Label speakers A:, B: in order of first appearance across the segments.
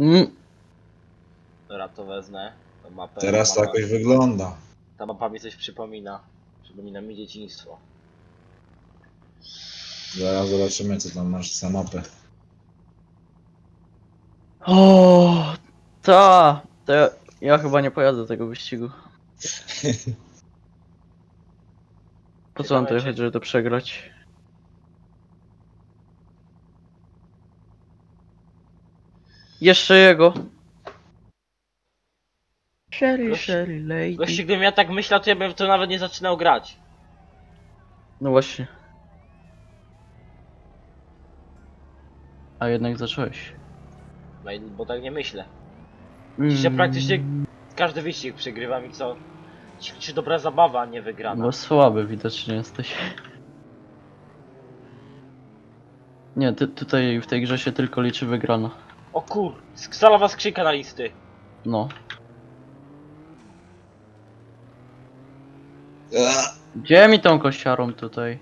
A: Dobra, to wezmę tą mapę.
B: Teraz to jakoś wygląda.
A: Ta mapa mi coś przypomina. Przypomina mi dzieciństwo.
B: Zaraz zobaczymy, co tam masz za mapę.
C: O, to ja chyba nie pojadę tego wyścigu. Po co mam to
A: Ciekawe,
C: jechać, żeby to przegrać? Jeszcze jego. Sherry lady.
A: Gościu, gdybym ja tak myślał, to ja bym w to nawet nie zaczynał grać.
C: No właśnie. A jednak zacząłeś.
A: Bo tak nie myślę. Dzisiaj praktycznie każdy wyścig przegrywam i co? Czy dobra zabawa, a nie wygrana.
C: Bo słaby widocznie jesteś. Nie, tutaj w tej grze się tylko liczy wygrana.
A: O kur... Stalowa skrzynka na listy.
C: No.
B: A!
C: Gdzie mi tą kościarą tutaj?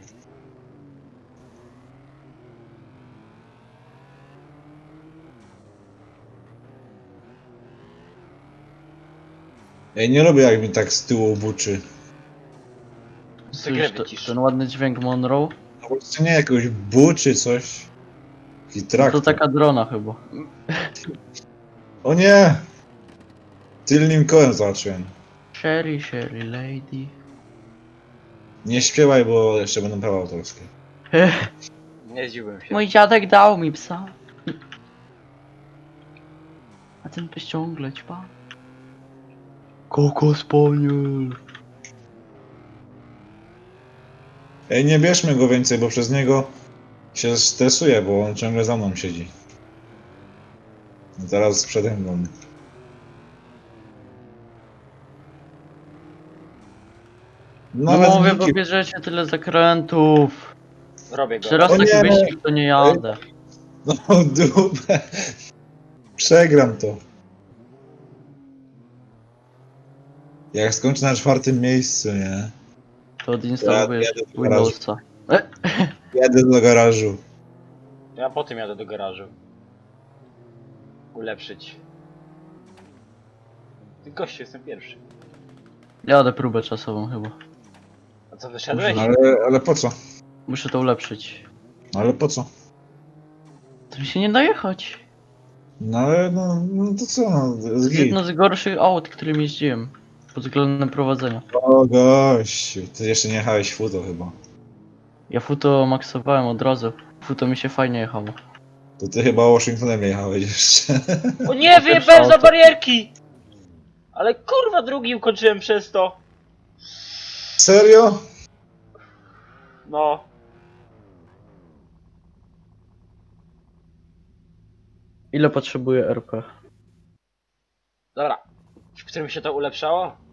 B: Ja nie lubię, jak mi tak z tyłu buczy.
A: Sekret
C: Słyszysz
A: wycisz.
C: ten ładny dźwięk Monroe?
B: No po prostu nie, jakoś buczy coś. Taki
C: No to
B: traktor.
C: taka drona chyba.
B: O nie! Tylnym kołem zobaczyłem.
C: Sherry lady.
B: Nie śpiewaj, bo jeszcze będą prawa autorskie.
A: Nie zdziwiłem się.
C: Mój dziadek dał mi psa. A ten pies ciągle ćpa. Koko spaniel.
B: Ej, nie bierzmy go więcej, bo przez niego się stresuje, bo on ciągle za mną siedzi. Zaraz przede mną.
C: No
B: Nawet
C: mówię, bo
B: Niki-
C: bierzecie tyle zakrętów.
A: Robię go.
C: Czy raz
B: O
C: taki
B: nie!
C: wyścig to nie jadę.
B: No dupę. Przegram to. Jak skończę na 4. miejscu, nie?
C: To odinstalujesz
B: Jadę do
C: Windowsa.
B: Jadę do garażu.
A: Ja potem jadę do garażu. Ulepszyć. Ty gościu, jestem pierwszy.
C: Jadę próbę czasową chyba.
A: A co, wyszedłeś?
B: Ale po co?
C: Muszę to ulepszyć.
B: Ale po co?
C: To mi się nie da jechać.
B: No ale no to co? No,
C: To jest jedno z gorszych aut, którym jeździłem. Pod względem prowadzenia.
B: O gościu, ty jeszcze nie jechałeś futo chyba.
C: Ja futo maksowałem od razu. Futo mi się fajnie jechało.
B: To ty chyba Washingtonem jechałeś jeszcze.
A: O nie, wyjebałem za barierki! Ale kurwa, drugi ukończyłem przez to.
B: Serio?
A: No.
C: Ile potrzebuję RP?
A: Dobra. W którym się to ulepszało?